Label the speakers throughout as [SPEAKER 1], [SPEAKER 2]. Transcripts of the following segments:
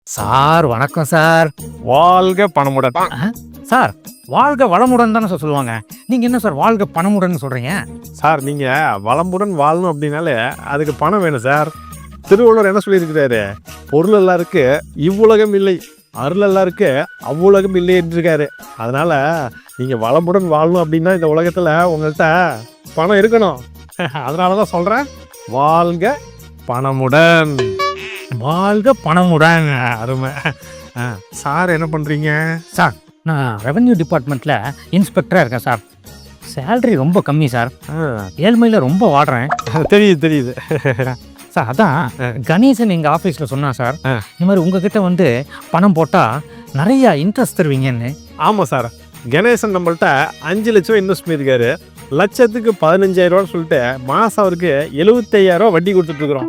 [SPEAKER 1] Sir வணக்கம் sir.
[SPEAKER 2] வாழ்க பணமுடன்.
[SPEAKER 1] Sir வாழ்க வளமுடன் தானே சார் சொல்லுவாங்க. நீங்க என்ன சார் வாழ்க பணமுடன் சொல்றீங்க?
[SPEAKER 2] சார் நீங்க வளமுடன் வாழணும் அப்படின்னாலே அதுக்கு பணம் வேணும் சார். திருவள்ளுவர் என்ன சொல்லியிருக்கிறாரு? பொருள் எல்லாருக்கு இவ்வுலகம் இல்லை, அருள் எல்லாருக்கு அவ்வுலகம் இல்லை என்றிருக்காரு. அதனால நீங்க வளமுடன் வாழணும் அப்படின்னா இந்த உலகத்துல உங்கள்கிட்ட பணம் இருக்கணும். அதனாலதான் சொல்றேன், வாழ்க பணமுடன்.
[SPEAKER 1] வாழ்க பணமுடன்.
[SPEAKER 2] அருமை. சார் என்ன பண்றீங்க?
[SPEAKER 1] சார் நான் ரெவென்யூ டிபார்ட்மெண்ட்ல இன்ஸ்பெக்டரா இருக்கேன் சார். சேலரி ரொம்ப கம்மி சார். ஏழ்மையில ரொம்ப வாடுறேன்.
[SPEAKER 2] தெரியுது.
[SPEAKER 1] சார் அதான் கணேசன் எங்க ஆபீஸ்ல சொன்னா சார், இந்த மாதிரி உங்ககிட்ட வந்து பணம் போட்டா நிறைய இன்ட்ரெஸ்ட் தருவீங்கன்னு.
[SPEAKER 2] ஆமா சார், கணேசன் நம்மள்ட்ட 5 லட்சம் இன்வெஸ்ட் பண்ணியிருக்காரு. லட்சத்துக்கு 15,000 சொல்லிட்டு மாசம் அவருக்கு 75,000 வட்டி கொடுத்துட்டு இருக்கிறோம்.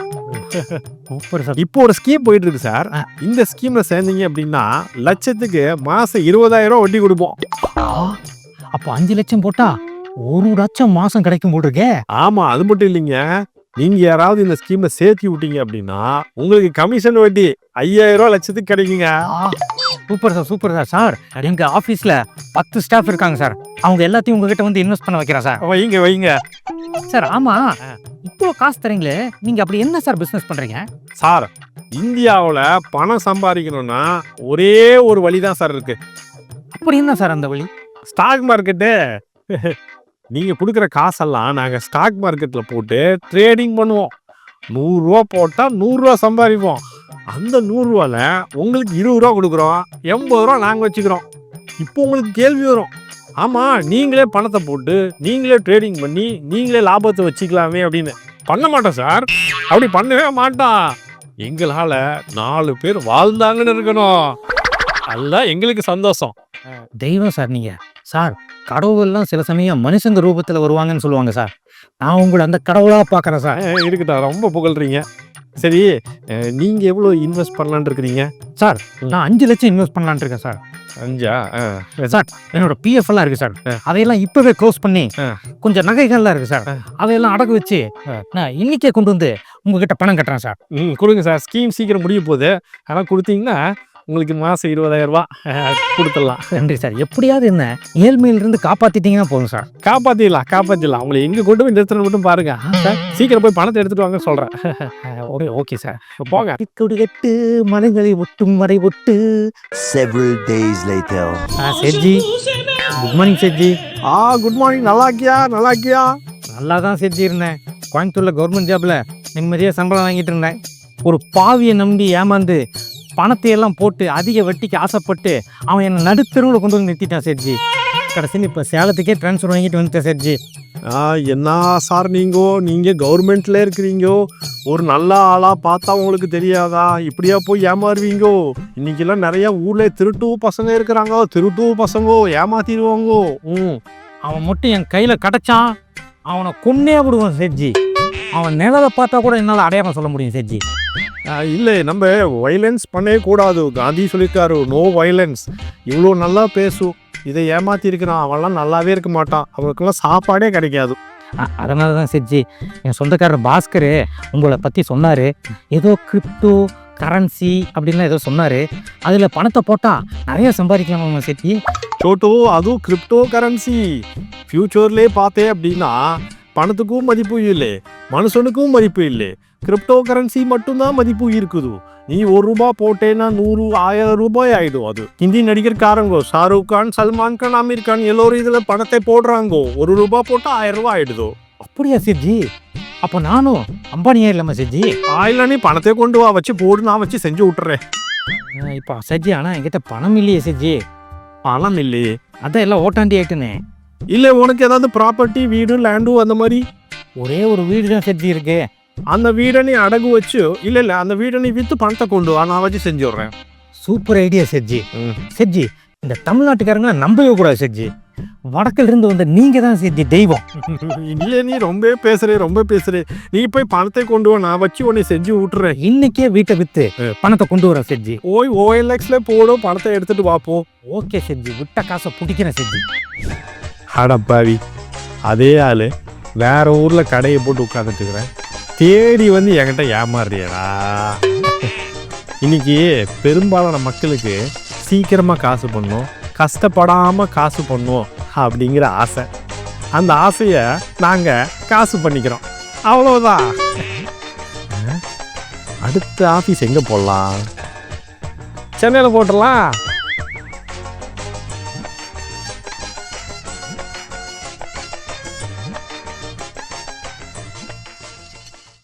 [SPEAKER 1] Super sir.
[SPEAKER 2] இப்போ ஒரு ஸ்கீம் போயிட்டு இருக்கு சார். இந்த ஸ்கீம்ல சேர்ந்தீங்க அப்படின்னா லட்சத்துக்கு மாசம் 20,000 வட்டி கொடுப்போம்.
[SPEAKER 1] அப்போ 5 லட்சம் போட்டா 1 லட்சம் மாசம் கிடைக்கும் போல் இருக்கே.
[SPEAKER 2] ஆமா, அது மட்டும் இல்லைங்க, நீங்க யாராவது இந்த ஸ்கீம்ல சேர்த்தி விட்டீங்க அப்படின்னா உங்களுக்கு கமிஷன் வட்டி 5,000 லட்சத்துக்கு கிடைக்குங்க.
[SPEAKER 1] Super sir, super sir. Sir எங்க ஆபீஸ்ல 10 ஸ்டாஃப் இருக்காங்க சார். அவங்க எல்லாத்தையும் உங்ககிட்ட வந்து இன்வெஸ்ட் பண்ண வைக்கிறேன் சார்.
[SPEAKER 2] வைங்க
[SPEAKER 1] சார். ஆமா, இப்போ காசு தரீங்களே, நீங்க அப்படி என்ன சார் பிசினஸ் பண்றீங்க?
[SPEAKER 2] சார், இந்தியாவில் பணம் சம்பாதிக்கணும்னா ஒரே ஒரு வழி தான் சார் இருக்கு.
[SPEAKER 1] அப்படி என்ன சார் அந்த வழி?
[SPEAKER 2] Stock market. நீங்க கொடுக்குற காசெல்லாம் நாங்க ஸ்டாக் மார்க்கெட்ல போட்டு ட்ரேடிங் பண்ணுவோம். 100 ரூபா போட்டா 100 ரூபா சம்பாதிப்போம். அந்த 100 ரூபால உங்களுக்கு 20 ரூபா கொடுக்குறோம், 80 ரூபா நாங்க வச்சுக்கிறோம். இப்போ உங்களுக்கு கேள்வி வரும், ஆமா நீங்களே பணத்தை போட்டு நீங்களே ட்ரேடிங் பண்ணி நீங்களே லாபத்தை வச்சுக்கலாமே அப்படின்னு. பண்ண மாட்டோம் சார், அப்படி பண்ணவே மாட்டோம். எங்களால 4 பேர் வாழ்ந்தாங்கன்னு இருக்கணும், அதுதான் எங்களுக்கு சந்தோஷம்.
[SPEAKER 1] தெய்வம் சார் நீங்க. சார் கடவுள்லாம் சில சமயம் மனுஷங்க ரூபத்துல வருவாங்கன்னு சொல்லுவாங்க சார். நான் உங்களை அந்த கடவுளா பாக்குறேன் சார்.
[SPEAKER 2] இருக்குதா, ரொம்ப புகழ்றீங்க. சரி, நீங்க எவ்வளோ இன்வெஸ்ட் பண்ணலான்னு இருக்கிறீங்க?
[SPEAKER 1] சார் நான் 5 லட்சம் இன்வெஸ்ட் பண்ணலான்னு இருக்கேன் சார்.
[SPEAKER 2] 5?
[SPEAKER 1] சார் என்னோட பிஎஃப் எல்லாம் இருக்கு சார். அதையெல்லாம் இப்பவே க்ளோஸ் பண்ணி கொஞ்சம் நகைகள்லாம் இருக்கு சார், அதையெல்லாம் அடகு வச்சு நான் இன்னைக்கே கொண்டு வந்து உங்ககிட்ட பணம் கட்டுறேன் சார்.
[SPEAKER 2] கொடுங்க சார், ஸ்கீம் சீக்கிரம் முடிய போகுது. ஆனால் கொடுத்தீங்கன்னா உங்களுக்கு மாதம் 20,000 கொடுத்துடலாம்.
[SPEAKER 1] நன்றி சார். எப்படியாவது என்ன ஏழ்மையிலிருந்து காப்பாத்திட்டீங்கன்னா போதும் சார்.
[SPEAKER 2] காப்பாற்றிடலாம். உங்களை எங்கே கொண்டு போய் நிறுத்தணும் மட்டும் பாருங்க சார். சீக்கிரம் போய் பணத்தை எடுத்துட்டு வாங்க சொல்கிறேன்.
[SPEAKER 1] ஓகே சார்,
[SPEAKER 2] போங்க.
[SPEAKER 1] கட்டு மலைகளை ஒட்டும் வரை ஒட்டு.
[SPEAKER 3] Several days later.
[SPEAKER 1] Sethji, good morning Sethji.
[SPEAKER 2] Good morning. நல்லா இருக்கியா?
[SPEAKER 1] நல்லா தான் செட்ஜி இருந்தேன். கோயம்புத்தூர்ல கவர்மெண்ட் ஜாப்ல நிம்மதியாக சம்பளம் வாங்கிட்டு இருந்தேன். ஒரு பாவியை நம்பி ஏமாந்து பணத்தை எல்லாம் போட்டு அதிக வட்டிக்கு ஆசைப்பட்டு அவன் என்னை நடுத்தெருவில் கொண்டு வந்து நிறுத்திட்டான் செட்ஜி. கடைசியில் இப்போ சேலத்துக்கே ட்ரான்ஸ்ஃபர் வாங்கிட்டு வந்துட்டேன் செட்ஜி.
[SPEAKER 2] என்ன சார் நீங்கள் கவர்மெண்ட்ல இருக்கிறீங்கோ, ஒரு நல்ல ஆளாக பார்த்தா உங்களுக்கு தெரியாதா? இப்படியா போய் ஏமாறுவீங்கோ? இன்னைக்கெல்லாம் நிறைய ஊர்ல திருட்டு பசங்க இருக்கிறாங்க. திருட்டு பசங்கோ ஏமாத்திடுவாங்கோ.
[SPEAKER 1] அவன் மட்டும் என் கையில் கிடச்சான், அவனை கொன்னே விடுவான் செட்ஜி. அவன் நிழலை பார்த்தா கூட என்னால் அடையாளம் சொல்ல முடியும் செட்ஜி.
[SPEAKER 2] இல்லை, நம்ம வைலன்ஸ் பண்ணவே கூடாது. காந்தி சொல்லியிருக்காரு, நோ வைலன்ஸ். இவ்வளோ நல்லா பேசும், இதை ஏமாத்தி இருக்கிறான், அவன்லாம் நல்லாவே இருக்க மாட்டான், அவனுக்கெல்லாம் சாப்பாடே கிடைக்காது.
[SPEAKER 1] அதனால தான் செட்ஜி என் சொந்தக்காரர் பாஸ்கர் உங்களை பற்றி சொன்னார். ஏதோ கிரிப்டோ கரன்சி அப்படின்லாம் ஏதோ சொன்னார். அதில் பணத்தை போட்டால் நிறைய சம்பாதிக்கலாமா செட்ஜி?
[SPEAKER 2] சோட்டோ, அதுவும் கிரிப்டோ கரன்சி ஃபியூச்சர்லேயே பார்த்தேன் அப்படின்னா பணத்துக்கும் மதிப்பு இல்லை, மனுஷனுக்கும் மதிப்பு இல்லை. கிரிப்டோ கரன்சி மட்டும்தான் மதிப்பு இருக்குது. நீ 1 ரூபா போட்டேன்னா 100 1000 ரூபாய் ஆயிடும். அது ஹிந்தி நடிகர்காரங்கோ, ஷாருக் கான், சல்மான் கான், அமீர் கான் எல்லோரும் இதில் பணத்தை போடுறாங்கோ. 1 ரூபா போட்டால் 1000 ரூபாய் ஆயிடுதோ.
[SPEAKER 1] அப்படியா செட்ஜி? அப்போ நானும் அம்பானியா இல்லாமல் செட்ஜி?
[SPEAKER 2] ஆயில நீ பணத்தை கொண்டு வா, வச்சு போடு, நான் வச்சு செஞ்சு விட்டுறேன்.
[SPEAKER 1] இப்போ செட்ஜி ஆனால் என்கிட்ட பணம் இல்லையே செட்ஜி.
[SPEAKER 2] பணம் இல்லையே?
[SPEAKER 1] அதான் எல்லாம் ஓட்டாண்டி ஆயிட்டுனே.
[SPEAKER 2] இல்லை, உனக்கு ஏதாவது ப்ராப்பர்ட்டி, வீடு, லேண்டு அந்த மாதிரி?
[SPEAKER 1] ஒரே ஒரு வீடு தான் செட்ஜி இருக்கு.
[SPEAKER 2] அந்த வீடை நீ அடகு வச்சு, இல்லை அந்த வீடை நீ விற்று பணத்தை கொண்டு வா, நான் வச்சு செஞ்சு விட்றேன்.
[SPEAKER 1] Super idea செட்ஜி. செட்ஜி இந்த தமிழ்நாட்டுக்காரங்க நம்பவே கூடாது செட்ஜி. வடக்கில் இருந்து வந்த நீங்க தான் செட்ஜி தெய்வம்.
[SPEAKER 2] இல்லை, நீ ரொம்ப பேசுறே. நீ போய் பணத்தை கொண்டு வா, நான் வச்சு உன்னை செஞ்சு விட்டுறேன்.
[SPEAKER 1] இன்னைக்கே வீட்டை வித்து பணத்தை கொண்டு வரேன் செட்ஜி.
[SPEAKER 2] OLXல போடும், பணத்தை எடுத்துட்டு வாப்போ.
[SPEAKER 1] ஓகே செட்ஜி, விட்ட காசை பிடிக்கிறேன் செட்ஜி.
[SPEAKER 2] அடப்பாவி, அதே ஆளு வேற ஊர்ல கடையை போட்டு உட்காந்துட்டு இருக்கிறேன், தேடி வந்து என்கிட்ட ஏமாறுறியடா. இன்னைக்கு பெரும்பாலான மக்களுக்கு சீக்கிரமாக காசு பண்ணணும், கஷ்டப்படாமல் காசு பண்ணணும் அப்படிங்கிற ஆசை. அந்த ஆசையை நாங்கள் காசு பண்ணிக்கிறோம், அவ்வளோதான். அடுத்த ஆஃபீஸ் எங்கே போடலாம்? சென்னையில் போட்டுடலாம்.